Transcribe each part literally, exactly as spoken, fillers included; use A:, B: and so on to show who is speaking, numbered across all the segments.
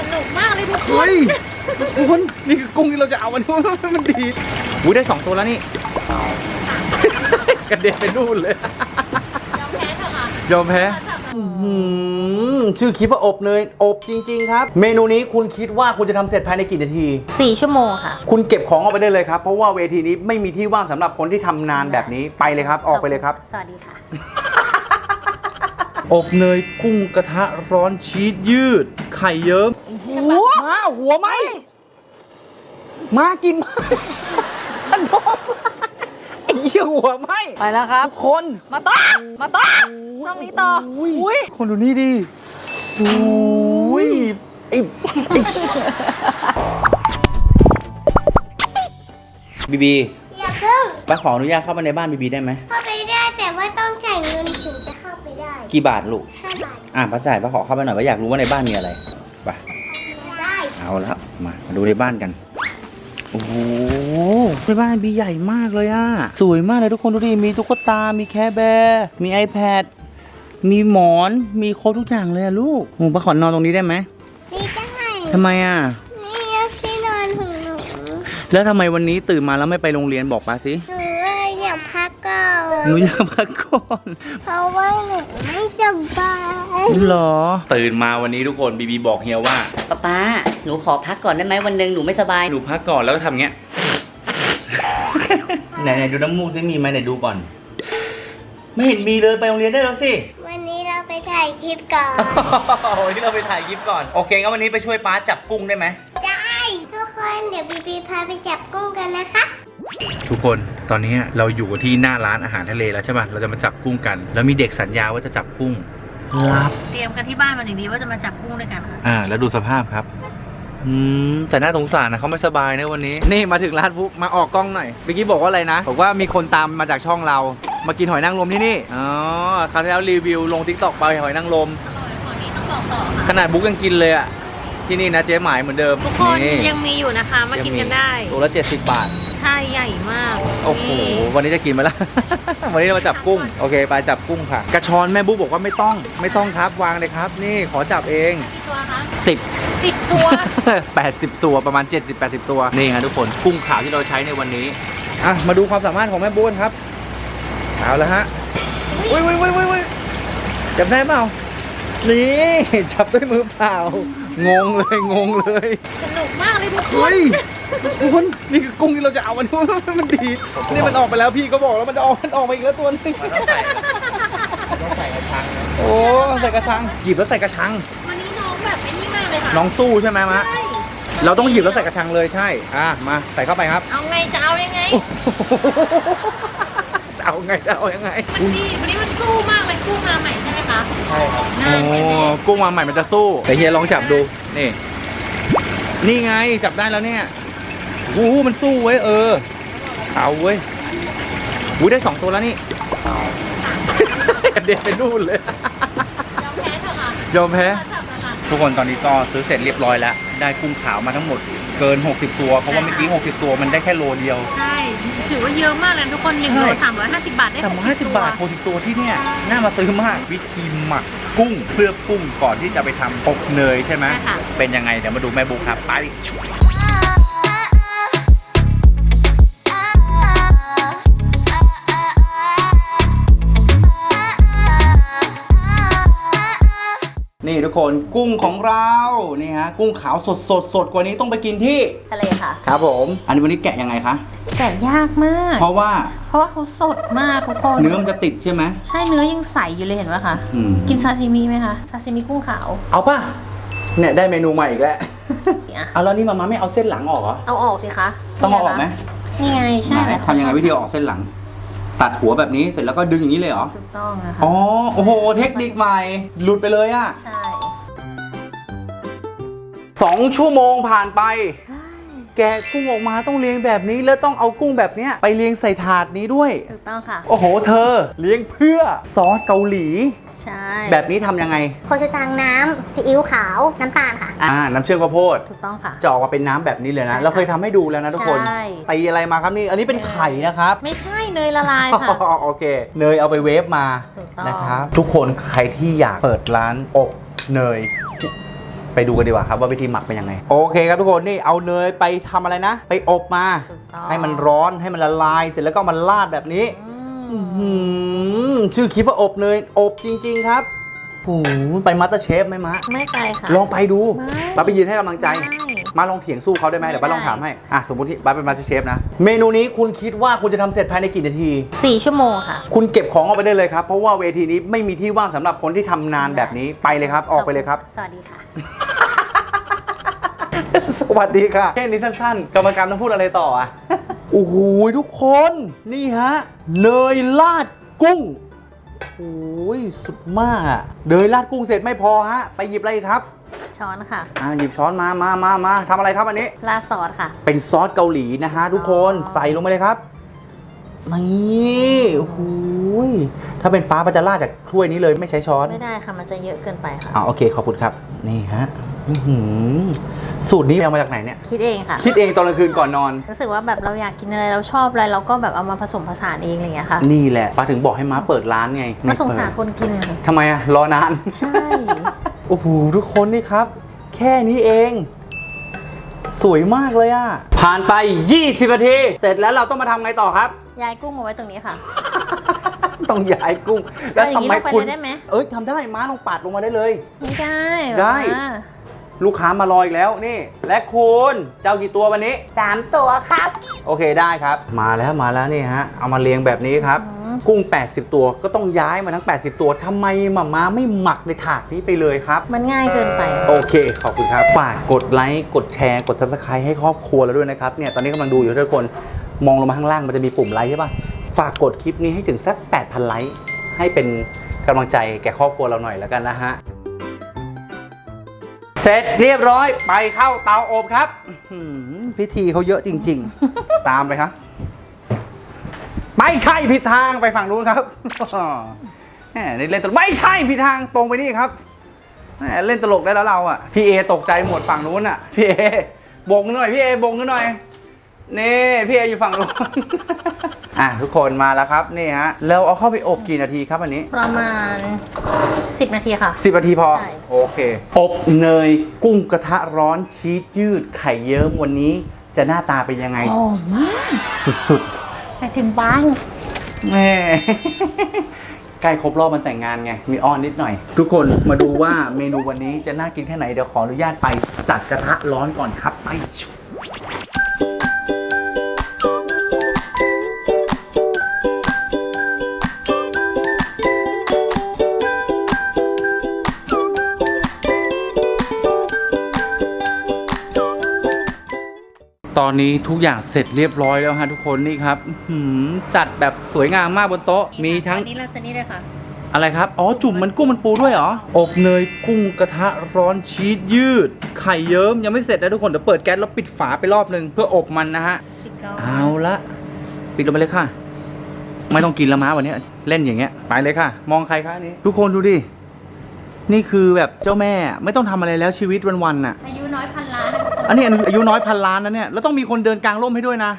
A: นุกมากเลยทุกค
B: เฮ้
A: น
B: ยทุกคนนี่คือกุ้งที่เราจะเอาวันนี้มันดีอุ้ยได้สองตัวแล้วนี่กระเด็นไปนู่นเลย
A: ยอมแพ้เถอะค่ะ
B: ยอมแพ้ชื่อคลิปว่าอบเนยอบจริงๆครับเมนูนี้คุณคิดว่าคุณจะทำเสร็จภายในกี่นาที
A: สี่ชั่วโมงค่ะ
B: คุณเก็บของออกไปได้เลยครับเพราะว่าเวทีนี้ไม่มีที่ว่างสำหรับคนที่ทำนานแบบนี้ไปเลยครับออกไปเลยครับ
A: สวัสดีค่ะ
B: อบเนยกุ้งกระทะร้อนชีสยืดไข่เยิ้มหัวมาหัวไหมมากินมาอันน้องไอ้เหี้ยหัวไหม
A: ไปแล้วครับ
B: ทุกคน
A: มาต่อมาต่อช่องนี้ต่ออุ้ย
B: คนดูนี่ดิอุ้ยไอ้ไอ้บีบี
C: อย่าเพิ่ง
B: ป้าขออนุญาตเข้ามาในบ้านบีบีได้ไหม
C: เข้าไปได้แต่ว่าต้องจ่ายเงินถึงจะเข้าไปได้
B: กี่บาทลูก
C: ห้าบาท
B: อ่ะป้าจ่ายป้าขอเข้าไปหน่อยป้าอยากรู้ว่าในบ้านมีอะไรไป
C: ได้
B: เอาละมามาดูในบ้านกันโอ้โหในบ้านบีใหญ่มากเลยอะสวยมากเลยทุกคนดูดิมีตุ๊กตา มีแคร์แบร์มี iPad มีหมอนมีครบทุกอย่างเลยอะลูกหนูป้าขอนอนตรงนี้ได้ไหม
C: นี่ได้
B: ทำไมอะ
C: นี่ที่นอนของหนู
B: แล้วทำไมวันนี้ตื่นมาแล้วไม่ไปโรงเรียนบอกป้าสิ
C: หนูอยากพักก่อน
B: หนูอยากพักก่อน
C: เพราะว่าหนูไม่สบาย
B: หรอตื่นมาวันนี้ทุกคนบีบีบอกเฮียว่า
D: ป๊าป๊าหนูขอพักก่อนได้ไหมวันหนึ่งหนูไม่สบาย
B: หนูพักก่อนแล้วก็ทำเงี้ย ไหนไหนดูน้ำมูกซิมีไหมไหนดูก่อน ไม่เห็นมีเลยไปโรงเรียนได้แล้วสิ
C: วันนี้เราไปถ่ายคลิปก่อน
B: วันนี้เราไปถ่ายคลิปก่อนโอเคงั้นวันนี้ไปช่วยป้าจับกุ้งได้ไหม
C: ได้ทุกคนเดี๋ยวบีบีพาไปจับกุ้งกันนะคะ
B: ทุกคนตอนนี้เราอยู่กันที่หน้าร้านอาหารทะเลแล้วใช่ป่ะเราจะมาจับกุ้งกัน แล้วมีเด็กสัญญาว่าจะจับกุ้งรับ
A: เตรียมกันที่บ้านมาอย่างดีว่าจะมาจับกุ้งด้วยกันค่ะ
B: อ่าแล้วดูสภาพครับอืมแต่น่าสงสารนะเขาไม่สบายนะวันนี้นี่มาถึงร้านปุ๊บมาออกกล้องหน่อยเมื่อกี้บอกว่าอะไรนะบอกว่ามีคนตามมาจากช่องเรามากินหอยนางรมที่นี่อ๋อคราวที่แล้วรีวิวลงทิกตอกไปหอยนางรม
A: อร่อยกว่านี้ต้องบอกต่อค่ะ
B: ขนาดบุ๊กยังกินเลยอ่ะที่นี่นะเจ๊หมายเหมือนเดิม
A: ทุกคนยังมีอยู่นะคะมากินกันได้
B: ตัวละเจ็ดสิบบาท
A: ใช่ใหญ่มาก
B: โอ้โห
A: นี่
B: วันนี้จะกินมาแล้ว วันนี้เรามาจับกุ้ง โอเค ไปจับกุ้งค่ะ กระชอนแม่บุ๊กบอกว่าไม่ต้อง ไม่ต้องครับ วางเลยครับ นี่ขอจับเอง
A: กี่ตัวคะ
B: สิบ
A: สิบตัว
B: แปดสิบตัว ประมาณเจ็ดสิบ แปดสิบตัว นี่ฮะทุกคน กุ้งขาวที่เราใช้ในวันนี้ อ่ะ มาดูความสามารถของแม่บุ๊กครับ เอาละฮะอุ้ยอุ้ยอุ้ยอุ้ยจับได้เปล่า นี่ จับด้วยมือเปล่า งงเลย งงเลย
A: สนุกมากเลยทุกคน
B: เฮ้ยทุกคนนี่คือกุ้งที่เราจะเอาวันนี้มันดีนี่มันออกไปแล้วพี่ก็บอกแล้วมันจะออกมันออกมาอีกแล้วตัวนึงต้องใส่ต้องใส่กระชังโอ้ใส่กระชังหยิบแล้วใส่กระชัง
A: วันนี้น้องแบบไม่นี่มากเลยค่ะ
B: น้องสู้ใช่ไหมมะ
A: ใช่
B: เราต้องหยิบแล้วใส่กระชังเลยใช่อ่ะมาใส่เข้าไปครับ
A: เอาไงจะเอายังไง
B: จะเอาไงจะเอายังไง
A: มันดีวันนี้มันสู้มากเลยกุ้งมาใหม่ใช่ไหมคะ
B: ใช่ครับ
A: น่า
B: โอ้
A: เห็นไหม
B: กุ้งมาใหม่มันจะสู้แต่เฮียลองจับดูนี่นี่ไงจับได้แล้วเนี่ยโอ้มันสู้เว้ยเออเอาเว้ยวูได้สองตัวแล้วนี่ กระเด็นไปนู่นเลย
A: ยอมแพ้เถอะค่ะ
B: ยอมแพ้
A: จับเลยค่ะ
B: ทุกคนตอนนี้ก็ซื้อเสร็จเรียบร้อยแล้ว ได้กุ้งขาวมาทั้งหมดเกินหกสิบตัว เพราะว่าเมื่อกี้หกสิบตัวมันได้แค่โลเดียว
A: ใช่ถือว่าเยอะมากเลยทุกคนหนึ่งโลสามร้อยห้าสิบบาทได้
B: สามร้อยห้าสิบบาทหกสิบตัวที่เนี่ยน่ามาซื้อมาก วิธีหมักกุ้งเพื่อกุ้งก่อนที่จะไปทำอบเนยใช่ไหมเป็นยังไงเดี๋ยวมาดูแม่บุ๊คครับไปนี่ทุกคนกุ้งของเรานี่ฮะกุ้งขาวสดสดสดกว่านี้ต้องไปกินที่
D: ทะเลค่ะ
B: ครับผมอันนี้วันนี้แกะยังไงคะ
D: แกะยากมาก
B: เพราะว่า
D: เพราะว่าเขาสดมากทุกคน
B: เนื้อมันจะติดใช่ไหม
D: ใช่เนื้อยังใสอยู่เลยเห็นไหมคะ
B: อืม
D: กินซาซิมิไหมคะซาซิมิกุ้งขาว
B: เอาป่ะเนี่ยได้เมนูใหม่อีกแล้ว
D: อ่ะ
B: เอาแล้วนี่มาม่าไม่เอาเส้นหลังออกเหรอ
D: เอาออกสิคะ
B: ต้องเอาออกไหม
D: นี่ไงใช่
B: ไหนทำยังไงวิธีเอาออกเส้นหลัง ตัดหัวแบบนี้เสร็จแล้วก็ดึงอย่างนี้เลยเหรอ
D: ถูกต้องนะคะ
B: อ๋อโอ้โหเทคนิคใหม่หลุดไปเลยอะ
D: ใช่
B: สองชั่วโมงผ่านไป แกะกุ้งออกมาต้องเลี้ยงแบบนี้แล้วต้องเอากุ้งแบบเนี้ยไปเลี้ยงใส่ถาดนี้ด้วย
D: ถูกต้องค่ะ
B: โอ้โหเธอเลี้ยงเพื่อซอสเกาหลี
D: ใช่
B: แบบนี้ทำยังไง
C: โคชูจังน้ำซีอิ๊วขาวน้ำตาลค่ะ
B: อ่าน้ำเชื่อมข้าวโพด
D: ถูกต้องค่ะ
B: จะออกมาเป็นน้ำแบบนี้เลย
D: ใช่
B: นะ
D: ค่ะ
B: เราเคยทำให้ดูแล้วนะทุกคน
D: ใช่
B: ตีอะไรมาครับนี่อันนี้เป็นไข่นะครับ
D: ไม่ใช่เนยละลายค่ะ
B: โอเคเนยเอาไปเวฟมา
D: ถูกต้อง
B: นะครับทุกคนใครที่อยากเปิดร้านอบเนยไปไปดูกันดีกว่าครับว่าวิธีหมักเป็นยังไงโอเคครับทุกคนนี่เอาเนยไปทำอะไรนะไปอบมาให้มันร้อนให้มันละลายเสร็จแล้วก็มันราดแบบนี้ชื่อคลิปว่าอบเนยอบจริงๆครับโอ้โหไปมาสเตอร์เชฟไหมมะ
D: ไม่ไปค่ะ
B: ลองไปดู
D: ไม่
B: ป้าไปยืนให้กำลังใจมาลองเถียงสู้เขาได้ไหมเดี๋ยวป้าลองถามให้อ่ะสมมติที่ป้าเป็นมาสเตอร์เชฟนะเมนูนี้คุณคิดว่าคุณจะทำเสร็จภายในกี่นาที
D: สี่ชั่วโมงค่ะ
B: คุณเก็บของออกไปได้เลยครับเพราะว่าเวทีนี้ไม่มีที่ว่างสำหรับคนที่ทำนานแบบนี้ไปเลยครับออกไปเลยครับ
D: สวัสดีค่ะ
B: สวัสดีค่ะแค่นี้สั้นๆกรรมการต้องพูดอะไรต่ออ่ะ โอ้โหทุกคนนี่ฮะเนยราดกุ้งโอ้ยสุดมากอะเนยราดกุ้งเสร็จไม่พอฮะไปหยิบอะไรอีกครับ
D: ช้อนค่ะ
B: อ่าหยิบช้อนมามามามาทำอะไรครับอันนี้
D: ราดซอสค่ะ
B: เป็นซอสเกาหลีนะฮะทุกคนใส่ลงไปเลยครับนี่โอ้โหถ้าเป็นป้าป้าจะราดจากถ้วยนี้เลยไม่ใช้ช้อน
D: ไม่ได้ค่ะมันจะเยอะเกินไปค่ะ
B: อ่าโอเคขอบคุณครับนี่ฮะอื้อหือสูตรนี้เอามาจากไหนเนี่ย
D: คิดเองค่ะ
B: คิดเองตอนกลางคืนก่อนนอน
D: รู้สึกว่าแบบเราอยากกินอะไรเราชอบอะไรเราก็แบบเอามาผสมผสานเองอะไรอย่างเงี้ยค่ะ
B: นี่แหละป้าถึงบอกให้ม้าเปิดร้านไง
D: มาสงสาร
B: ไเปิด
D: คนกิน
B: ทำไมอะรอนาน
D: ใช่
B: โอ้โหทุกคนนี่ครับ แค่นี้เอง สวยมากเลยอะผ่านไปยี่สิบนาทีเสร็จแล้วเราต้องมาทำไงต่อครับ
D: ย้ายกุ้งมาไว้ตรงนี้ค่ะ
B: ต้องย้ายกุ้งแล้ว
D: เอาอย่าง
B: ทำ
D: นี้
B: ไม
D: ลงไป
B: คุณ
D: เลยได้ไหม
B: เอ้ยทำได้ม้าลองปาดลงมาได้เลย
D: ไม่ได้
B: ได้
D: แบบว่า
B: ลูกค้ามารออีกแล้วนี่ และคุณเจ้ากี่ตัววันนี้
C: สามตัวครับ
B: โอเคได้ครับ มาแล้วมาแล้วนี่ฮะเอามาเรียงแบบนี้ครับ กุ้ง แปดสิบ ตัวก็ต้องย้ายมาทั้ง แปดสิบ ตัวทำไมหม่าม้าไม่หมักในถาดนี้ไปเลยครับ
D: มันง่ายเกินไป
B: โอเค ขอบคุณครับ ฝากกดไลค์ กดแชร์ กด ซับสไครบ์ ให้ครอบครัวเราด้วยนะครับ เนี่ย ตอนนี้กำลังดูอยู่ทุกคน มองลงมาข้างล่างมันจะมีปุ่มไลค์ใช่ป่ะ ฝากกดคลิปนี้ให้ถึงสัก แปดพัน ไลค์ ให้เป็นกำลังใจแก่ครอบครัวเราหน่อยแล้วกันนะฮะ เสร็จเรียบร้อย ไปเข้าเตาอบครับอื้อหือพิธีเขาเยอะจริง ๆ ตามไปครับ ไม่ใช่ผิดทางไปฝั่งนู้นครับ แหมเล่นตลกไม่ใช่ผิดทางตรงไปนี่ครับแหมเล่นตลกได้แล้วเราอ่ะพี่เอตกใจหมดฝั่งนู้นอ่ะพี่เอบงหน่อยพี่เอบงหน่อยนี่พี่เออยู่ฝั่งนู้น อ่ะทุกคนมาแล้วครับนี่ฮะแล้วเอาเข้าไปอบกี่นาทีครับอันนี้
D: ประมาณสิบนาทีค่ะ
B: สิบนาทีพอ
D: ใช่
B: โอเคอบเนยกุ้งกระทะร้อนชีสยืดไข่เยิ้มวันนี้จะหน้าตาเป็นยังไง
D: หอมมาก
B: สุด
D: ไปถึงบ้าน
B: ๆแม่ ใกล้ครบรอบมันแต่งงานไง มีอ้อนนิดหน่อย ทุกคนมาดูว่าเมนูวันนี้จะน่ากินแค่ไหน เดี๋ยวขออนุญาตไปจัดกระทะร้อนก่อนครับ ไป ตอนนี้ทุกอย่างเสร็จเรียบร้อยแล้วฮะทุกคนนี่ครับอื้อหือจัดแบบสวยงามมากบนโต๊ะ มีทั้ง
D: อันนี้เราจะนี่เลยค่ะ
B: อะไรครับ อ๋อ จุ่มมันกุ้งมันปูด้วยเหรอ อบเนยกุ้งกระทะร้อนชีสยืด ไข่เยิ้มยังไม่เสร็จนะทุกคน เดี๋ยวเปิดแก๊สแล้วปิดฝาไปรอบนึงเพื่ออบมันนะฮะ
D: ปิดก่อน
B: เอาละปิดลงไปเลยค่ะ ไม่ต้องกินและม้าวันนี้เล่นอย่างเงี้ยไปเลยค่ะ มองใครคะอันนี้ ทุกคนดูดิ นี่คือแบบเจ้าแม่ไม่ต้องทำอะไรแล้วชีวิตวันๆน่ะ
D: อายุน้อยพันล้าน
B: อันนี้อายุน้อยพันล้านนะเนี่ยแล้วต้องมีคนเดินกลางร่มให้ด้วยนะ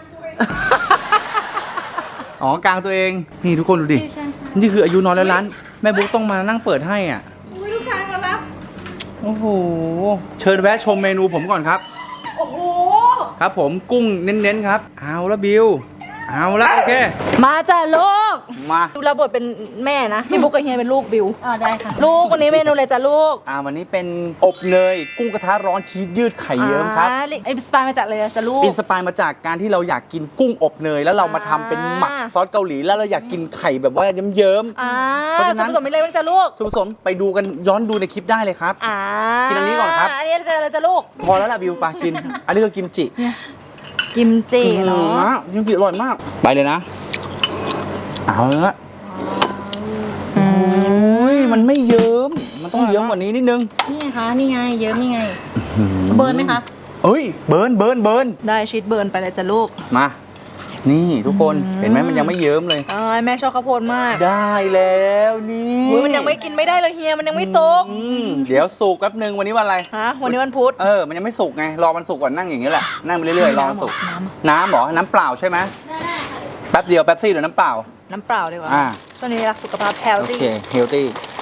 B: อ๋อกลางตัวเองนี่ทุกคนดูดินี่คืออายุน้อยแล้วล้านแม่บุ๊กต้องมานั่งเปิดให้อ่ะ
A: อุ้ยลูกชายมารับ
B: โอ้โหเชิญแวะชมเมนูผมก่อนครับ
A: โอ้โห
B: ครับผมกุ้งเน้นๆครับเอาละบิวเอาละโอเค
A: มาจ้ะลูก
B: มา
A: ดูระบทเป็นแม่นะพี่บุ๊กกับเฮียเป็นลูกบิว
D: อ๋อได้ค่ะ
A: ลูกวันนี้เมนูอะไรจ้ะลูก
B: อ่าวันนี้เป็นอบเนยกุ้งกระทะร้อนชีสยืดไข่เยิ้มครับ
A: อ่าไอ้สปายมาจากเลยจ้ะลูก
B: อินสปายมาจากการที่เราอยากกินกุ้งอบเนยแล้วเรามาทำเป็นหมักซอสเกาหลีแล้วเราอยากกินไข่แบบว่าเยิ้ม
A: อ่า
B: เพราะฉะนั้น
A: ส่วนผสมมีอะไรบ้างจ้ะลูก
B: ๆส่วนผสมไปดูกันย้อนดูในคลิปได้เลยครับ
A: อ่า
B: กินอันนี้ก่อนครับ
A: อันนี้จะอะไรจ้ะลูก
B: พอแล้วล่ะบิวปากิน อันนี้ก็กิมจิ
A: กิมจิเนาะ
B: กิมจิอร่อยมากไปเลยนะเอาละโอ้ยมันไม่เยิ้มมันต้องเยิ้มกว่านี้นิดนึง
D: นี่ไงคะนี่ไงเยอะนี่ไงเบิร์นไหมคะ
B: เอ้ยเบิร์นเบิร์นเบิร์น
A: ได้ชีสเบิร์นไปเลยจ้ะลูก
B: มา นี่ทุกคนเห็นไหมมันยังไม่เยิ้มเลย
A: อ่าแม่ชอบข้าวโพดมาก
B: ได้แล้วนี่
A: อุ้ยมันยังไม่กินไม่ได้เลยเฮียมันยังไม่สุก
B: อืมเดี๋ยวสุกแป๊บนึงวันนี้วันอะไร
A: ฮะวันนี้วันพุธ
B: เออมันยังไม่สุกไงรอมันสุกก่อนนั่งอย่างนี้แหละนั่งไปเรื่อยๆรอมันสุกน้ำเหรอน้ำเปล่าใช่ไหมแป๊บเดียวแป๊บซี่หรือน้ำเปล่า
A: น้ำเปล่าดีกว่า
B: อ่า
A: ช่วงนี้รักสุขภาพแฮล
B: โอ
A: ตี้
B: เคเฮลตี้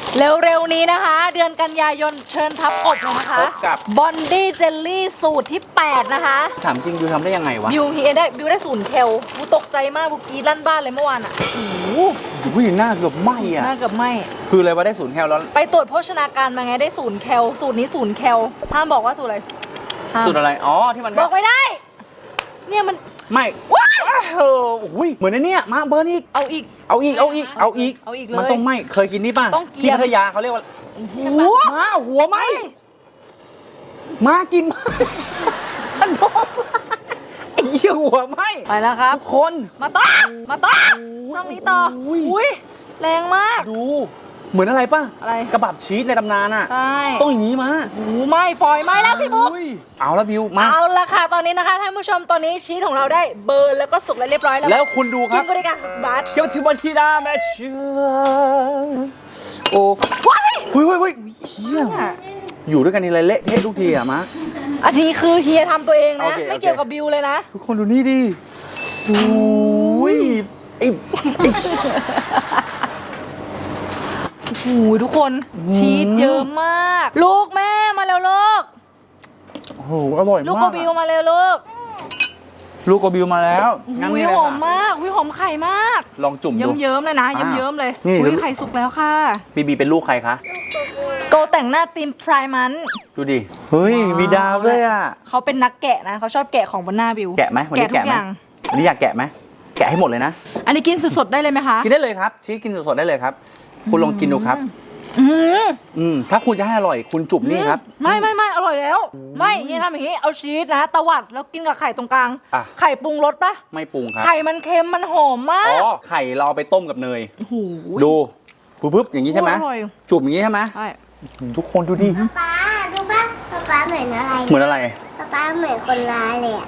A: เร็วๆนี้นะคะ เดือนกันยายนเชิญทับอบเลยนะคะ
B: พบกับ
A: บอนดี้เจลลี่สูตรที่แปดนะคะ
B: ถามจริงยูทำได้ยังไงวะ
A: บิวเฮียได้บิวได้ศูนย์เคลกูตกใจมากกูกรีดลั่นบ้านเลยเมื่อวานอ่ะโอ้โห
B: อุ้ยหน้าเกือบไหมอ่ะ
A: น่าเกือบไหม
B: คืออะไรวะได้ศูนย์แคลแล้ว
A: ไปตรวจโภชนาการมาไงได้ศูนย์เคลสูตรนี้ศูนย์เคลห้ามบอกว่าสูตรอะไรห้าม
B: สูตรอะไรอ๋อที่มัน
A: บอกไม่ได้ เนี่ยมัน
B: ไม่
A: ว้าย
B: เอออุ้ยเหมือนในเนี้ยมาเบิร์นอีก
A: เอาอีก
B: เอาอีกเอาอีกเอาอีก
A: เอาอีกเลย
B: มันต้องไหมเคยกินนี่ป่ะ
A: ต้องเกรี
B: ที่
A: ยม
B: พัทยาเขาเรียกว่า
A: หัว
B: มาหัวไหมมากินมามันโดนไอ้เหี้ยหัวไหม
A: ไปแล้วครับ
B: ทุกคน
A: มาต่อมาต่อช่องนี้ต่ออุ้ยแรงมาก
B: ดูเหมือนอะไรป่ะ
A: อะไร
B: กระบับชีสในตำนานอ่ะ
A: ใช่
B: ต้องอย่างนี้มา
A: โอ้โหไหม่ฟอยไหม่แล้วพี่บุ๊ก
B: อุ้ยเอาละบิวมา
A: เอาละค่ะตอนนี้นะคะท่านผู้ชมตอนนี้ชีสของเราได้เบิร์นแล้วก็สุกแล้วเรียบร้อยแล้ว
B: แล้วคุณดูค
A: กิ
B: รับ
A: นก็ได้กันบาส
B: เกี่ยวกับบันทีดาแม่เชื่อโอ้
A: ว้าย
B: เฮ้ยเฮ้ยเฮ้ยเฮียอยู่ด้วยกันนี่เลยเละเทะทุกทีอะมะ
A: อันนี้คือเฮียทำตัวเอง
B: โอ
A: นะ
B: เค
A: ไม่
B: โอเค
A: เกี่ยวกับบิวเลยนะ
B: ทุกคนดูนี่ดิโอ้ยไอ้ไอ้
A: โอ้โหทุกคนชีสเยอะมาก ลูกแม่มาแล้วลูก
B: โอ้โหอร่อย
A: ลูก
B: มาก
A: โกบิวมาแล้วลูก
B: ลูกโกบิวมาแล้วงั้น
A: อุ้ย
B: นี่เลย
A: หอม
B: ค่ะ
A: มากอุ้ยหอมไข่มาก
B: ลองจุ่ม
A: เยิ้
B: ดู
A: มเยิ้มๆเลยนะ
B: อ่า
A: เยิ้มเยิ้มๆเลย
B: นี่
A: อุ้ยไข่สุกแล้วค่ะ
B: บีบีเป็นลูกใครคะ
A: โกแต่งหน้าทีมพรายมัน
B: ดูดิเฮ้ย
A: ว้าว
B: มีดาวด้วยอ่ะ
A: เขาเป็นนักแกะนะเขาชอบแกะของบนหน้าบิว
B: แกะไหมวันนี้
A: ทุ
B: แกะ
A: ก
B: ไห
A: อ
B: ม
A: ย่าง
B: วันนี้อยากแกะไหมแกะให้หมดเลยนะ
A: อันนี้กินสดๆได้เลยไหมคะ
B: กินได้เลยครับชีสกินสดๆได้เลยครับ คุณลองกินดูครับ
A: อืม
B: อืมถ้าคุณจะให้อร่อยคุณจุ่มนี่ครับ
A: ไม่ไม่ไม่อร่อยแล้ว ไม่เฮียทำอย่างนี้เอาชีสนะตวัดแล้วกินกับไข่ตรงกลาง
B: อ่ะ
A: ไข่ปรุงรสปะ
B: ไม่ปรุงครับ
A: ไข่มันเค็มมันหอมมา
B: อ๋
A: ก
B: อไข่เราเอาไปต้มกับเนย
A: โอ้โห
B: ดูปุ๊บๆอย่างนี้ใช่ไหม
A: อร่อย
B: จุ่มอย่างนี้ใช่ไหม
A: ใช่
B: ทุกคนดูดิ
C: ป๊าดูป่ะป๊าป๊าเหมือนอะไร
B: เหมือนอะไร
C: ป๊าป๊าเหมือนคนร้ายเลยอะ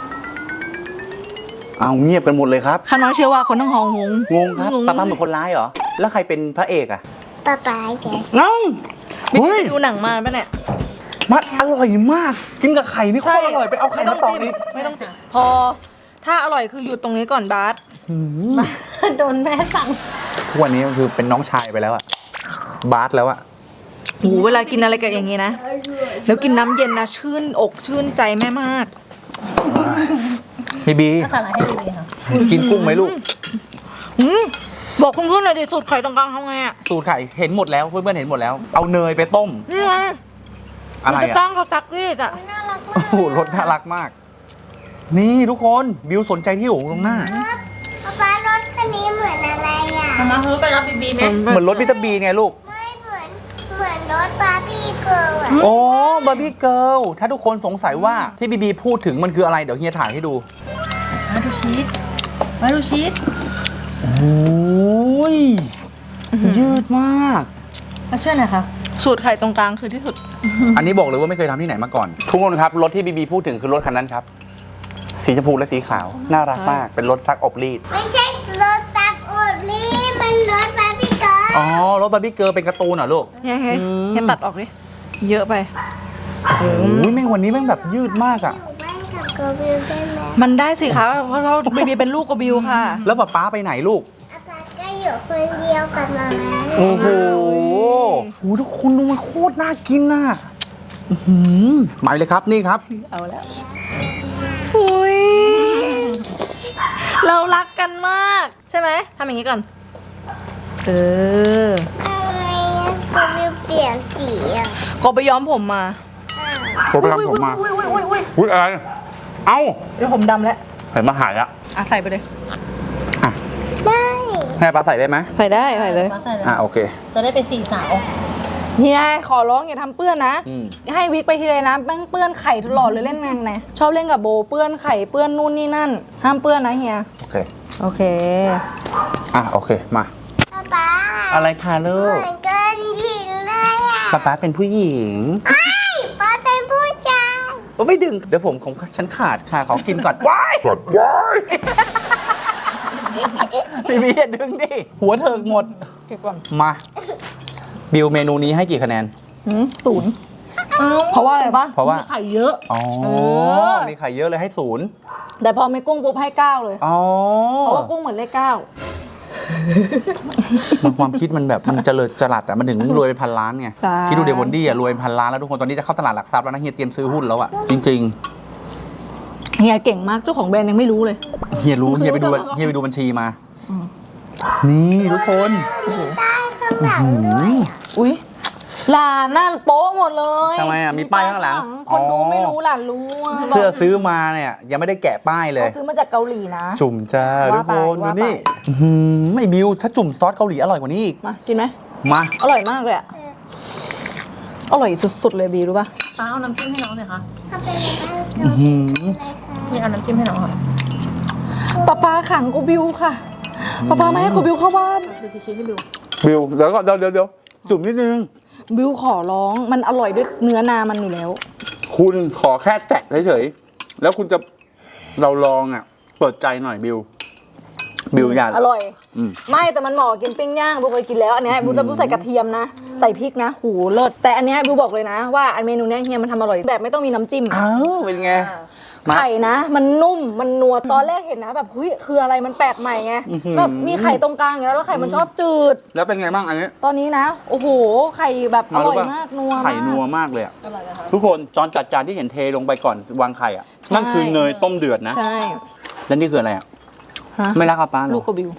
B: เอาเงียบกันหมดเลยครับ
A: ข้าน้อยเชื่อว่าคนทั้งห้องงง
B: งงครับป้าป้าเหมือนคนร้ายเหรอแล้วใครเป็นพระเอกอ่ะ
C: ป๊าป๊าแก
B: เอ้า
A: ไม่
B: เฮ้
A: ได้
B: ย
A: ไปดูหนังมาปะเนี่ย
B: มันอร่อยมาก กินกับไข่นี่โคตรอร่อยไปเอาไข่มาตอก
A: จิ้
B: นี่
A: ไม่ต้องจิ้มพอ ถ้าอร่อยคือหยุดตรงนี้ก่อนบาส
D: โดนแม่สั่ง
B: ทุกวันนี้ก็คือเป็นน้องชายไปแล้วอะบาสแล้วอะ
A: โหเวลากินอะไรกับอย่างงี้นะ แล้วกินน้ำเย็นนะชื่นอกชื่นใจแม่มาก
B: บีบี
D: ก็สาระให้ดีๆค่ะ
B: กินกุ้งไหมลูก
A: อืมบอกคุณเพื่อนหน่อยดิสูตรไข่ตรงกลางทำไงอ่ะ
B: สูตรไข่เห็นหมดแล้วเพื่อนๆเห็นหมดแล้ว เอาเนยไปต้ม
A: นี่ไง
B: อะไร
A: มันจะ
B: อะ
A: จ้างเขาซักรีดอ่ะ
C: น่ารักมา
B: โอ้
C: ก
B: โหรสน่ารักมาก นี่ทุกคนบิวสนใจที่อยู่ตรงหน้า
C: ป๊าป๊ารถคันนี้เหมือนอะไรอ่ะ
D: มาเฮ้ยไปรับบีบีไหม
B: เหมือนรถวิตาบีไงลูก
C: ไม่เหมือนเหมือนรถบาร์บี้เกิร์ลอ่ะ
B: โอ้บาร์บี้เกิลถ้าทุกคนสงสัยว่าที่บีบีพูดถึงมันคืออะไรเดี๋ยวเฮียถ่ายให้ดู
D: มาดูชีสมาดูชีส
B: โอ้ยยืดมาก
D: มาช่วยหน่อยค่ะ
A: สูตรไข่ตรงกลางคือที่สุด
B: อันนี้บอกเลยว่าไม่เคยทำที่ไหนมาก่อน ทุกคนครับ รถที่บีบีพูดถึงคือรถคันนั้นครับ สีชมพูและสีขาว น่ารักมาก เป็นรถซักอบรีด
C: ไม่ใช่รถตักอุดลีมันรถบาร์บี้เกิร์ล
B: อ๋อ รถบาร์บี้เกิร์ลเป็นการ์ตูนเหรอลูก
A: เฮ้ยเฮ้ย
B: อืม
A: เฮ้ยตัดออกดิ เยอะไป
B: โอ้ยแม่งวันนี้แม่งแบบยืดมากอ่ะ
C: อยู่บ้านกับโกบิลได้ไหม
A: มันได้สิคะเพราะเราเบบีเป็นลูกกับบิวค่ะ
B: แล้วป๊าป๊าไปไหนลูก
C: อาจารย์ก็อยู่คนเดียวกับมาม่า
B: โอ้โหโอ้โหทุกคนดูมันโคตรน่ากินน่ะอื้อหือมาเลยครับนี่ครับ
A: เอาแล้วอุ้ย เรารักกันมาก ใช่ไหมทำอย่างนี้ก่อน เออ
C: ทำไมโกบิลเปลี่ยนสีอ่ะ
A: ก็ไปย้อมผมมา
B: ผมไปทำผมมา
A: อุ้ยอุ้ยอุ้ยอุ้ย
B: อุ้ยอะไร เอ้า
A: เดี๋ยวผมดำแล้ว
B: เห็นมาหายแล้ว
A: อ่ะใส่ไปเลย
C: ได้
B: ให้ป๊าใส่ได้ไหม
A: ใส่ได้ใส่เลย
D: มาใส่เลย
B: อ่ะโอเค
D: จะได้เป็นสี่สาว
A: เฮียขอร้องอย่าทำเปื้อนนะ
B: อืม
A: ให้วิกไปทีไรนะแม่งเปื้อนไข่ตลอดเลยเล่นแมงไงชอบเล่นกับโบเปื้อนไข่เปื้อนนู่นนี่นั่น ห้ามเปื้อนนะเฮีย
B: โอเค
A: โอเค
B: อ่ะโอเค มา
C: ป๊าป๊า
B: อะไรคะลู
C: เห
B: ก
C: มือนกันหญิงเลยอ่ะ
B: ป๊าป๊าเป็นผู้หญิง
C: ไอ้ป๊าเป็นผู้ชาย
B: โอ้ไม่ดึง เดี๋ยวผมของฉันขาดค่ะ ขอกินก่อน ว้ายก่อนว้ายพี่บีอย่าดึงดิ หัวเถิกหมด
A: เก็บก่อน
B: มา บิวเมนูนี้ให้กี่คะแนน
A: หืมศูนย์เพราะว่าอะไรปะ
B: เพราะว่า
A: มีไข่เยอะ
B: อ๋อ
A: เออ
B: นี่ไข่เยอะเลยให้ศูนย์
A: แต่พอไม่กุ้งปุ๊บให้เก้าเลย
B: อ๋อ
A: เพราะว่ากุ้งเหมือนเลขเก้า
B: มันความคิดมันแบบมันเจริญจรัสอะมันถึงรวยเป็นพันล้านไง
A: ใช่
B: คิดดูเดวอนดี้อะรวยเป็นพันล้านแล้วทุกคนตอนนี้จะเข้าตลาดหลักทรัพย์แล้วนะเฮียเตรียมซื้อหุ้นแล้วอะจริง
A: เฮียเก่งมากเจ้าของแบรนด์ยังไม่รู้เลย
B: ๆเฮียรู้เฮียไปดูเฮียไปดูบัญชีมา นี่ทุกคน
C: ข้างหลังด้วยอะ
A: อุ้ยหลานน่าโป๊ะหมดเลย
B: ทำไมอะมีป้ายข้างหลัง
A: คนดู
B: อ๋อ
A: ไม่รู้หลานรู้อะ
B: เสื้อซื้อมาเนี่ยยังไม่ได้แกะป้ายเลย
A: เขาซื้อมาจากเกาหลีนะ
B: จุ่มจ้าทุ
A: ว่าก ไป
B: คนดู
A: ว่าไป
B: นี่อื้อหือไม่บิวถ้าจุ่มซอสเกาหลีอร่อยกว่านี้อีก
A: มากินไหม
B: มา
A: อร่อยมากเลยอะอร่อยสุดๆเลยบีรู้ป่ะ
D: ป้าเอาน้ำจิ้มให้น้องหน่อยค่ะ
C: เขาเป็นอะไร
B: อื้อหือ
D: นี่เอาน้ำจิ้มให้น้องค่ะ
A: ป้าป้าขังกูบิวค่ะป้าป้าไม่ให้กูบิวเข้าบ้าน
D: คือพี่ชี้ให้ดู
B: บิวเดี๋ยวก่อนเดี๋ยวเดี๋ยวเดี๋ยวจุ่มนิดนึง
A: บิวขอร้องมันอร่อยด้วยเนื้อนามันอยู่แล้ว
B: คุณขอแค่แตะเฉยๆแล้วคุณจะเราลองอ่ะเปิดใจหน่อยบิวบิวอย่า
A: อร่อย
B: อืม
A: ไม่แต่มันเหมาะกับกินปิ้งย่างบิวเคยกินแล้วอันเนี้ยบิวจะบิวใส่กระเทียมนะใส่พริกนะหูเลิศแต่อันเนี้ยบิวบอกเลยนะว่าอันเมนูเนี้ยเฮียมันทำอร่อยแบบไม่ต้องมีน้ำจิ้ม
B: อ้าวเป็นไง มา
A: ไข่นะ มันนุ่มมันนัวตอนแรกเห็นนะแบบเฮ้ยคืออะไรมันแปลกใหม่ไง
B: อื้อหือ
A: แบบมีไข่ตรงกลางอย่างนี้ยแล้วไข่มันชอบจืด
B: แล้วเป็นไงบ้างอันนี้
A: ตอนนี้นะโอ้โหไข่แบบอร่อย
B: รู้ป่ะ
A: มากนัวมาก
B: ไข่นัวมากเลยอะ
D: อร่อยนะคะ
B: ทุกคนจอนจัดจานที่เห็นเทลงไปก่อนวางไข่อ่ะ
A: ใช่
B: นั่นคือเนยต้มเดือดนะ
A: ใช่
B: แล้วนี่คืออะไรอ่ะ
A: ฮะ
B: ไม่รักกับป้าเหร
A: ลู
B: อก
A: กระบิว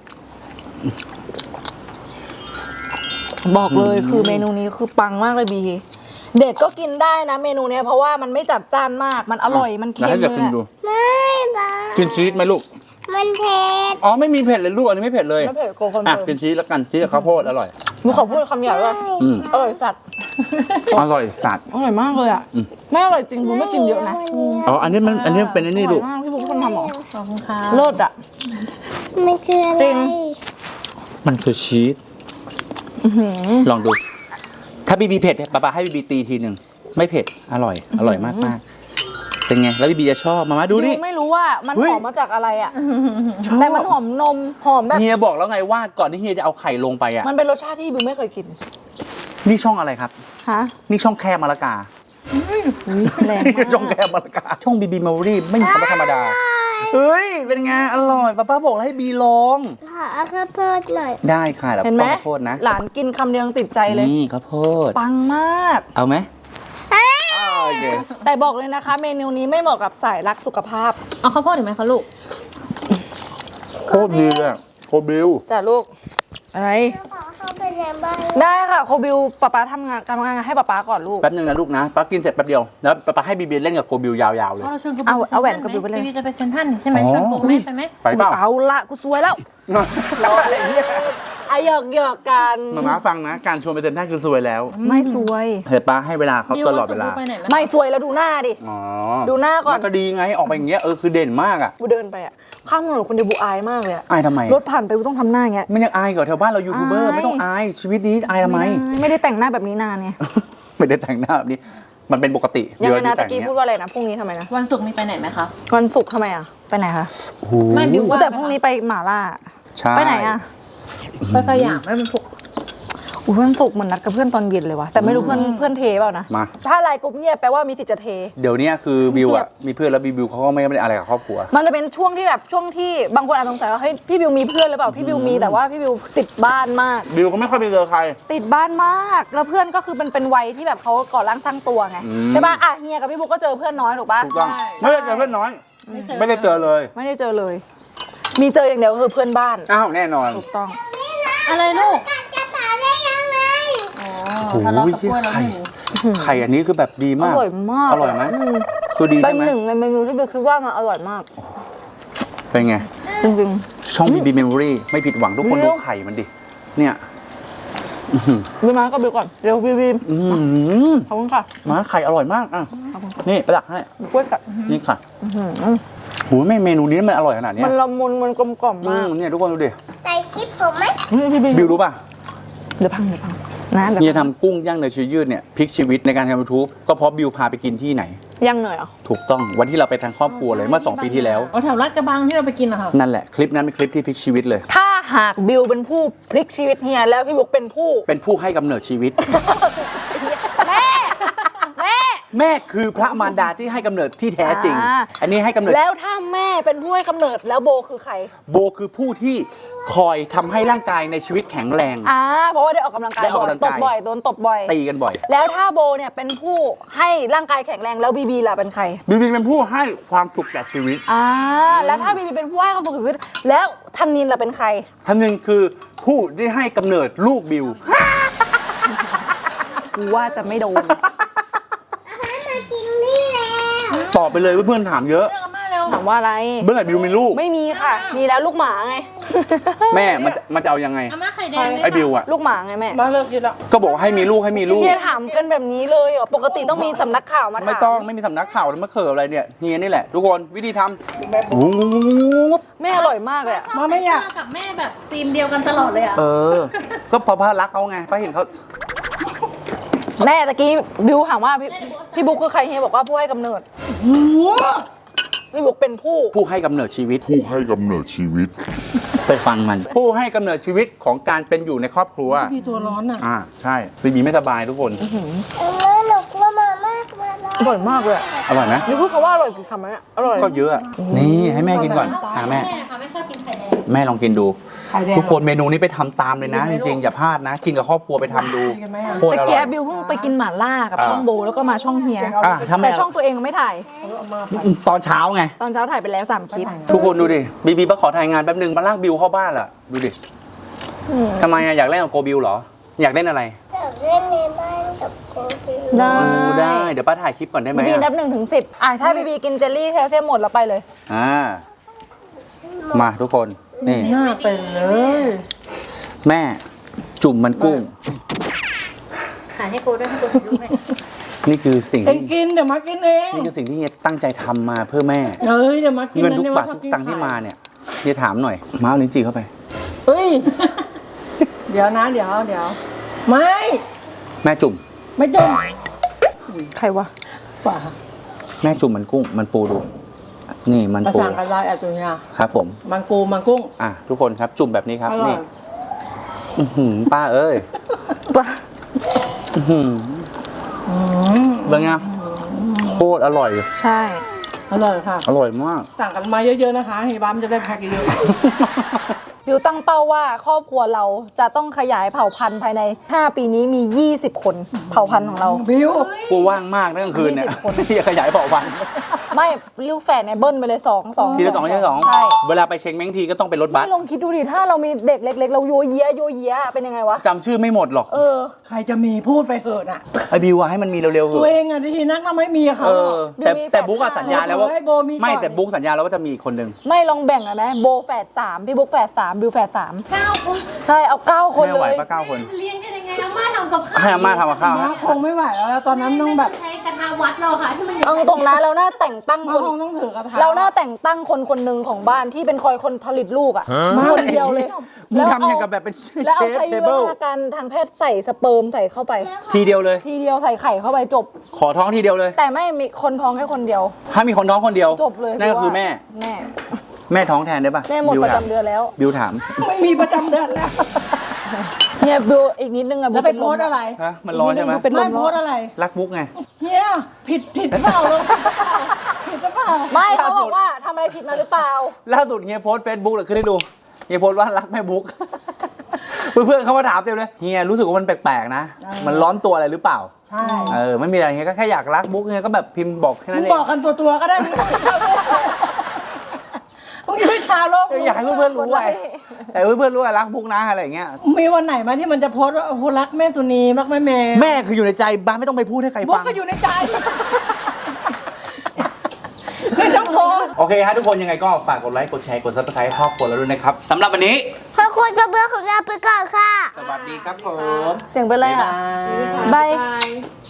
A: บอกเลยคือเมนูนี้คือปังมากเลยบีเด็กก็กินได้นะเมนูเนี้ยเพราะว่ามันไม่จัดจ้านมากมันอร่อยมันเค็ม
B: แล้วให้
A: เล
B: เด็ก
A: ย
B: กิน
A: แห
B: ดู
A: ละ
C: ไม่บ้า
B: กินชีสไหมลูก
C: มันเผ็ด
B: อ๋อไม่มีเผ็ดเลยลูกอันนี้ไม่เผ็ดเลย
A: ไม่เผ็ดโกคอน
B: อ่ะ
A: เฟิร์ม
B: กินชีสแล้วกันชีสกับข้าวโพดอร่อย
A: หนูขอพูดคำหยาบว่า
B: อืม
A: อร่อยสัตว์
B: อร่อยสัตว์
A: อร่อยมากเลยอ่ะ
B: อืม
A: ไม่อร่อยจริงบูไม่กินเยอะนะ
B: อ๋ออันนี้มันอันนี้เป็นอันนี้
A: อร่
B: ลู
A: อย
B: ก
A: มากพี่บูเป็นคนทำเหรอ
D: ขอบคุณค่ะ
A: เลิศอ่ะ
C: มันคืออะไร
A: จริง
B: มันคือชีสลองดู ถ้าบีบีเผ็ดป๊าป๊าให้บีบีตีทีหนึ่งไม่เผ็ดอร่อย อร่อยมากมากๆเป็นไงแล้วบีบีจะชอบมามาดูดิ
A: ไม่รู้ว่ามัน
B: เฮ้
A: ห
B: ย
A: อมมาจากอะไรอ่ะแต่มันหอมนมหอมแบบ
B: เฮียบอกแล้วไงว่าก่อนที่เฮียจะเอาไข่ลงไปอ่ะ
A: มันเป็นรสชาติที่บิวไม่เคยกิน
B: นี่ช่องอะไรครับ
A: ฮะ
B: นี่ช่องแคบมะละกา
A: อุ๊ยแรง
B: นี่
A: มาก
B: ช่องแคบมะละกา ช่องบีบีมารีไม่มีคำว่าธรรมดา เฮ้ย เป็นไง อร่อยป้าป้าบอกแล้วให้บีลอง
C: ขอเอาข้าวโพดหน่อย
B: ได้ค่ะแล้ว
A: เห็นไหม
B: ต้องข้าวโพดนะ
A: หลานกินคำเดียวยังติดใจเลย
B: นี่ข้าวโพด
A: ปังมาก
B: เอาไหมอ้าวโอเค
A: แต่บอกเลยนะคะ เมนูนี้ไม่เหมาะกับสายรักสุขภาพ
D: เอาข้าวโพดอีกไหมคะลูก
B: โคตรดีเลยอะโคบิว
A: จ้ะลูก อะไร
C: ขอเข้าไปในบ้าน
A: ได้ค่ะโคบิวป๊าป๊าทำงานทำงานให้ป๊าป๊าก่อนลูก
B: แป๊บนึงนะลูกนะป้ากินเสร็จแป๊บเดียว แล้วป้าป้าให้บีบีเล่นกับโคบิวยาวๆเลย
D: เราชวนกู
A: เอาเอาแหวนกับบิวไปเลย
D: บีจะไปเซ็นทรัลใช่ไหม
B: อ๋อ
D: ชวนกูแม่ไปไหม
B: ไปเปล่า
A: เอาละกูสวยแล้วรออะไรเนี่ยไอะหยอกหยอกกัน
B: มาม้าฟังนะ การชวนไปเซ็นทรัลคือซวยแล้ว
A: ไม่สวย
B: เห็นป้าให้เวลาเขาตลอดเวลา
D: บิวส่งกูไปไหนไหม
A: ไม่สวยแล้วดูหน้าดิ
B: อ๋อ
A: ดูหน้าก่อน
B: ก็ดีไง ออกไปอย่างเงี้ย เออ คือเด่นมากอ่ะ
A: บูเดินไปอะข้ามถนนคนเดียวบูอายมากเลยอะ
B: อายทำไม
A: รถผ่านไปบูต้องทำหน้าอย่างเงี้ย
B: มันยังอายกว่าแถวบ้านเรายูทูบเบอร์
A: อาย
B: ไม่ต้องอาย ชีวิตนี้อายทำไม
A: ไม่ได้แต่งหน้าแบบนี้นานไง
B: ไม่ได้แต่งหน้าแบบนี้ มันเป็นปกติ
A: ยังไงนะ
B: เดี๋
A: ตะ
B: ว
A: กี้
B: นี้
A: พูดว่าอะไรนะพรุ่งนี้ทำไมนะ
D: วันศุกร์มีไปไหนไหมคะ
A: วันศุกร์ทำไมอะไปไหนคะ
B: โอ้โห
D: ไม่บิว
A: อุ๊ยแต่พรุ่งนี้ไปหม่าล่า
B: ใช่
A: ไปไหนอะ
D: ไปสยามไม่เป็นพวก
A: อุ้ยวันศุกร์เหมือนนัดกับเพื่อนตอนเย็นเลยวะแต่ไม่รู้เพื่อนเพื่อนเทเปล่านะ
B: มา
A: ถ้าไลน์กรุ๊ปเงียบแปลว่ามีสิทธิ์จะเท
B: เดี๋ยวเนี้ยคือบิว
A: เงีย
B: อ่ะ
A: บ
B: มีเพื่อนแล้วบิวเขาก็ไม่ได้อะไรกับครอบครัว
A: มันจะเป็นช่วงที่แบบช่วงที่บางคนอาจสงสัยว่าเฮ้ยพี่บิวมีเพื่อนหรือเปล่าพี่บิวมีแต่ว่าพี่บิวติดบ้านมาก
B: บิวก็ไม่ค่อยไปเจอใคร
A: ติดบ้านมากแล้วเพื่อนก็คือเป็นเป็นวัยที่แบบเขาก่อร่างสร้างตัวไง
B: อืม
A: ใช่ป่ะอ่ะเฮียกับพี่บุ๊กก็เจอเพื่อนน้อยถูกป่ะ
B: ถูกต้องไม่ได้เจอเพื่อนน้อย ไม่ได้เจอเลย
A: ไม่ได้เจอเลย มีเจออย่างเดียวก็คือเพื่อนบ้าน
B: อ้าวแน่นอน
A: ถูกต้อง
D: อะไรลูก
C: กระเป๋าได้ยังไง
D: อ๋อ
B: โอ้โห
D: ทะเลาะกับเพื่อนแล้วหนึ่ง
B: ไข่อันนี้คือแบบดี
A: อ
B: มาก
A: ร่อยมาก
B: อร่อยไหม
A: ม
B: คือดี
A: เป็
B: ใช่
A: น
B: ไหม
A: หนึ่งในเมนูที่บิวคิดว่ามันอร่อยมาก
B: เป็นไง
A: จริง
B: ช่องบีบีเมมโมรี่ไม่ผิดหวังทุกคน
A: เดี๋
B: ดู
A: ยว
B: ไข่มันดิ เนี่ยอื้อหือ
A: ๆบิวมาก็บิวก่อนเดี๋ยวบิวบิว
B: อื้อหือ
A: ขอบคุณค่ะ
B: มาไข่อร่อยมากอ่ะนี่ประดักให้
A: บิวกล้วยกัด
B: นี่ค่ะโหไม่เมนูนี้มันอร่อยขนาดเนี้
A: มั
B: ย
A: นละมุนมันกลมกล่อม
B: อื
A: มาก
B: มเนี่ยทุกคนดูดิ
C: ใส่กิ๊บผมไหม
A: พี่บิว
B: บิวรู้ป่ะ
A: เดี๋ยวพังเดี๋ยวพังนะเดี๋ยว
B: เฮีย
A: พัง
B: ทำกุ้งย่างเนยชีสยืดเนี่ยพลิกชีวิตในการทำยูทูบก็เพราะบิวพาไปกินที่ไหน
A: ยังเหนื่อยเหรอ
B: ถูกต้องวันที่เราไปทางครอบครัวเลยเมื่อสองปีที่แล้ว
D: เอาแถวลาดกระบังที่เราไปกินอะค่ะ
B: นั่นแหละคลิปนั้นเป็นคลิปที่พลิกชีวิตเลย
A: ถ้าหากบิวเป็นผู้พลิกชีวิตเฮียแล้วพี่บุ๊กเป็นผู้
B: เป็นผู้ให้กำเนิดชีวิต
A: แม่แม่
B: แม่คือพระมารดาที่ให้กำเนิดที่แท้จริง
A: อ่า
B: อันนี้ให้กำเนิด
A: แล้วถ้าแม่เป็นผู้ให้กำเนิดแล้วโบคือใคร
B: โบคือผู้ที่คอยทำให้ร่างกายในชีวิตแข็งแรง
A: อ่าเพราะว่าได้ออกกำลังกาย
B: ได้ออก
A: บ่อย
B: กำลัง
A: ต
B: กาย
A: บบ่อยโดนตบบ่อย
B: ตีกันบ่อย
A: แล้วถ้าโบเนี่ยเป็นผู้ให้ร่างกายแข็งแรงแล้วบีบีล่ะเป็นใคร
B: บิวบินเป็นผู้ให้ความสุขแก่ชีวิต
A: อ่าแล้วถ้าบีบีเป็นผู้ให้ความสุขชีวิตแล้วทันนินล่ะเป็นใคร
B: ท่านหนึ่งคือผู้ที่ให้กำเนิดลูกบิว
A: กูว่าจะไม่โดน
C: มากินนี่แล้ว
B: ตอบไปเลยเพื่อนๆถามเยอะ
A: ถามว่าอะไร
B: เมื่อไหร่บิวมีลูก
A: ไม่มีค่ะ มีแล้วลูกหมาไง
B: แม่มันจะมันจะเอายังไง
D: อาม่าไข่แดง
B: ไอ้บิวอ่ะ
A: ลูกหมาไงแม่
E: มาเลิกกินละ
B: ก็บอกว่าให้มีลูกให้มีลูก
A: เฮียถามกันแบบนี้เลยเหรอปกติต้องมีสำนักข่าวมาถาม
B: ไม่ต้องไม่มีสำนักข่าวแล้วมาเขิบอะไรเนี่ยเฮียนี่แหละ ทุกคนวิธีทำโอ้โห
A: แม่อร่อยมากเลยอะ
E: มาไม่อยาก
D: กับแม่แบบทีมเดียวกันตลอดเลยอ่ะ
B: เออ ก็เพราะพ่อรักเขาไงเพราะเห็นเขา
A: แม่ตะกี้บิวถามว่าพี่พี่บุ๊กคือใครเฮียบอกว่าผู้ให้กำเนิดพี่บุ๊กเป็นผู้
B: ผู้ให้กำเนิดชีวิต
F: ผู้ให้กำเนิดชีวิต
B: ไปฟังมัน ผู้ให้กำเนิดชีวิตของการเป็นอยู่ในครอบครัว
E: พี่ตัวร้อนอ่ะ
B: อ่าใช่บีบีไม่สบายทุกคน
C: เออหนูกลัวมามากมาแล้ว
A: อร่อยมากเลยอะ
B: อร่อยไหม
A: นี่พูดคำว่าอร่อยกี่คำแล้วเนี่ยอร่อย
B: ก็เยอะอะนี่ให้แม่กินก่อนอ่าแม่
D: แม่นะคะไม่ชอบกินไข่แดง
B: แม่ลองกินดู
E: ไข่แดง
B: ทุกคนเมนูนี้ไปทำตามเลยนะ จริงๆ อย่าพลาดนะ กินกับครอบครัวไปทำดูโคตร
A: แต่
B: อ
A: แก
B: ร่อย
A: บิวเพิ่งไปกินหม่าล่ากับ
B: อ่า
A: ช่องโบแล้วก็มาช่องเฮีย
B: อ่ะถ้าแม่
A: แต่ช่องตัวเองไม่ถ่าย
B: ตอนเช้าไง
A: ตอนเช้าถ่ายไปแล้วสามคลิป
B: ทุกคนดูดิบีบีมาขอถ่ายงานแป๊บนึงมาลากบิวเข้าบ้านล่ะดูดิทำไมอะอยากเล่นกับโกบิวเหรอ อยากเล่นอะไร
C: อยากเล่นในบ้านกับโกบิว
A: ได้
B: ดูได้เดี๋ยวป้าถ่ายคลิปก่อนได้ไหม
A: บีบีนับ
B: อะ
A: หนึ่งถึงสิบอ่ะถ้าบีบีกินเจลลี่แคลเซียมหมดแล้วไปเลย
B: อ่ามาทุกคนนี่
E: หน้าเป็นเลย
B: แม่จุ่มมันกุ้ง
D: ถ่ายให้กูด้วยให้กูถ่ายรูปให้
B: นี่คือสิ่ง
E: เอง
B: ที่
E: กินเดี๋ยวมากินเอง
B: นี่คือสิ่งที่เฮียตั้งใจทำมาเพื่อแม่
E: เอ้ยเดี๋ยวมากิน
B: เงินทุก
E: ดี๋ยว
B: บาททุกตังค์ที่มาเนี่ยเฮียถามหน่อยมาเอาลิ้นจี่เข้าไป
E: เฮ้ย เดี๋ยวนะ เดี๋ยวเดี๋ยวไม่
B: แม่จุ่ม
E: ไม่จุ่ม
A: ใครวะ
E: ป่า
B: แม่จุ่มมันกุ้ง มันปูดู นี่มัน
E: ภา
B: ปู
E: ษาอะไรอ่ะตัวเนี้ย
B: ครับผม
E: มังกูมังกุ้ง
B: อ่ะทุกคนครับจุ่มแบบนี้ครับ
E: อร่อย
B: นี่อื้อหือป้าเอ้ย
A: ปะ
B: อื้อหือ
E: อืม
B: เป็นไงโคตรอร่อย
A: ใช่
E: อร่อยค่ะ
B: อร่อยมาก
E: สั่งกันมาเยอะๆนะคะเฮียบ้ามจะได้แพ็คเยอะ
A: บิวตั้งเป้าว่าครอบครัวเราจะต้องขยายเผ่าพันธุ์ภายในห้าปีนี้มียี่สิบคนเผ่าพันธุ์ของเรา
E: ๆบิว
B: กูว่างมากนะกลางคืนเนี่ย
A: ยี่สิบคน
B: ที่จะขยายเผ่าพันธุ์
A: ไม่ลูกแฝดเนี่ยเบิ้ลไปเลยสองสอง
B: ทีละสองทีละสอง
A: ใช่
B: เวลาไปเช็งแมงทีก็ต้องเป็นรถบัส
A: นี่ลองคิดดูดิถ้าเรามีเด็กเล็ก ๆ เราโยเยะโยเยะเป็นยังไงวะ
B: จำชื่อไม่หมดหรอก
A: เออ
E: ใครจะมีพูดไปเถอะน่ะ
B: ไอบิวอะให้มันมีเร็วๆเถ
E: ตัว
B: อะ
E: เองอ่ะที่นักน่ะไม่มีอะเขา
B: เออ แต่
A: บิวมี
B: แต่
A: แฝด
B: บุ๊กอะสัญญาแล้วว่า
E: ให้โบมีก่อน
B: ไม่แต่บุ๊กสัญญาแล้วว่าจะมีอีกคนหนึ่ง
A: ไม่ลองแบ่งอะนะโบแฝดสามพี่บุ๊กแฝดสามบิวแฝดสาม
D: เก้าคน
A: ใช่เอาเก้าคน
B: แม่
A: เล
B: ไหวย ปะเก้าคน
D: เลี้ยงกันยังไงอาม่าทำกับข้าว
B: ให้อาม่าทำกับข้าว
E: มา
B: ฮะ
E: คงไม่ไหวแล้วแล้วตอนนั้นต้องแบบ
D: ใช้กระทะวัดเราค่ะที่มันอยู่
A: เอาตรงนะเราหน้าแต่งตั้ง
E: มา
A: คน
E: คงต้องถือกระทะ
A: เราหน้าแต่งตั้งคนคนหนึ่งของบ้านที่เป็นคอยคนผลิตลูกอะคนเดียวเลย
B: มึงทำอย่างกับแบบเป็นเช
A: แล้วเอา
B: ฟ
A: ใช้
B: เท
A: วิ
B: เบิล
A: วัฒนาการทางแพทย์ใส่สเปิร์มใส่เข้าไป
B: ทีเดียวเลย
A: ทีเดียวใส่ไข่เข้าไปจบ
B: ขอท้องทีเดียวเลย
A: แต่ไม่มีคนท้องแค่คนเดียว
B: ถ้ามีคนท้องคนเดียว
A: จบเลย
B: นั่นก็คือแม่
A: แม่
B: แม่ท้องแทนได้ปะ
A: แม่หมด
B: บิว
A: ประ
B: ถาม
A: จำเดือนแล้ว
B: บิวถาม
E: ไม่มีประจำเดือนแล้ว
A: เนี่ยบิวอีกนิดนึงอะ
E: แล้วไปโพสต์อะไร
B: ฮะ มันร้อนใช่ไหม
A: เป็นล
E: ไม่
A: ม
E: โพสต์อะไร
B: รักบุ๊กไง
E: เฮียผิดผิดเปล่าลงผิดหรือเปล่า
A: ไม่เขาบอกว่าทำอะไรผิดมาหรือเปล่า
B: ล่าสุดเฮียโพสเฟซบุ๊กเลยขึ้นให้ดูเฮียโพสต์ว่ารักแม่บุ๊ก เพื่อนๆเขามาถามเต็มเลยเฮียรู้สึกว่ามันแปลกๆนะ มันร้อนตัวอะไรหรือเปล่า
E: ใช่
B: เออไม่มีอะไรเฮียก็แค่อยากรักบุ๊กเฮียก็แบบพิมพ์บอกแค่
E: มึ
B: นั้
E: ง
B: นเอง
E: บอกกันตัวตัวๆก็ได้มึงมึงไม่ชาวโลก
B: อยากให้เพื่อนๆรู้ไงแต่เพื่อนๆรู้ว่ารักบุ๊กนะอะไรอย่างเงี้ย
E: มีวันไหนไหมาที่มันจะโพสต์ว่าโอ้โหรักแม่สุนีรักแม่เมย์
B: แม่คืออยู่ในใจบ้านไม่ต้องไปพูดให้ใคร
E: บุ๊
B: ฟั
E: ก
B: ง
E: ก็อยู่ในใจไม่ต้องโพสต์
B: โอเคฮะทุกคนยังไงก็ฝากกดไลค์กดแชร์กดซับสไครต์ครอบครัวเราด้วยนะครับสำหรับวันนี้
C: ขอบคุณกับเบอร์ของเราไปก่อนค่ะ
B: สวัสดีครับผม
A: เสียงเป็นไรอะบาย